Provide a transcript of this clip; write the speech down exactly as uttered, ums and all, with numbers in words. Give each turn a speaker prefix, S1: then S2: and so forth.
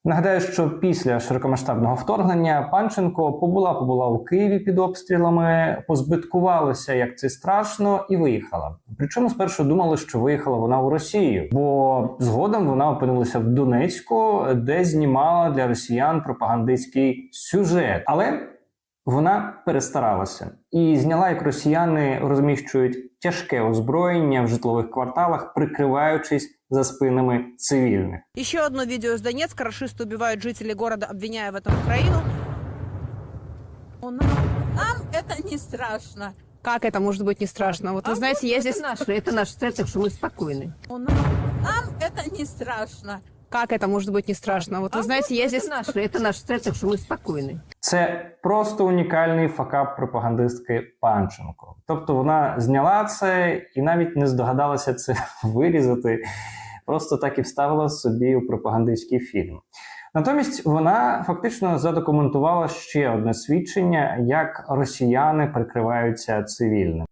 S1: Нагадаю, що після широкомасштабного вторгнення Панченко побула-побула у Києві під обстрілами, позбиткувалася, як це страшно, і виїхала. Причому спершу думали, що виїхала вона у Росію, бо згодом вона опинилася в Донецьку, де знімала для росіян пропагандистський сюжет. Але вона перестаралася і зняла, як росіяни розміщують тяжке озброєння в житлових кварталах, прикриваючись за спинами цивільних.
S2: Еще одно видео из Донецка. Рашисты убивают жителей города, обвиняя в этом Украину.
S3: Нам, нам это не страшно.
S2: Как это может быть не страшно? Вот вы
S3: А
S2: знаете,
S3: вот
S2: я
S3: это
S2: здесь...
S3: наше,
S4: Это наш цель, так что мы спокойны.
S3: Нам, нам это не страшно.
S2: Как это может быть не страшно? Вот вы
S3: А
S2: знаете,
S3: вот
S2: я
S3: это
S2: здесь...
S4: Наш, это наш цель, так что мы спокойны.
S1: Це просто унікальний факап пропагандистки Панченко. Тобто вона зняла це і навіть не здогадалася це вирізати, просто так і вставила собі у пропагандистський фільм. Натомість вона фактично задокументувала ще одне свідчення, як росіяни прикриваються цивільним.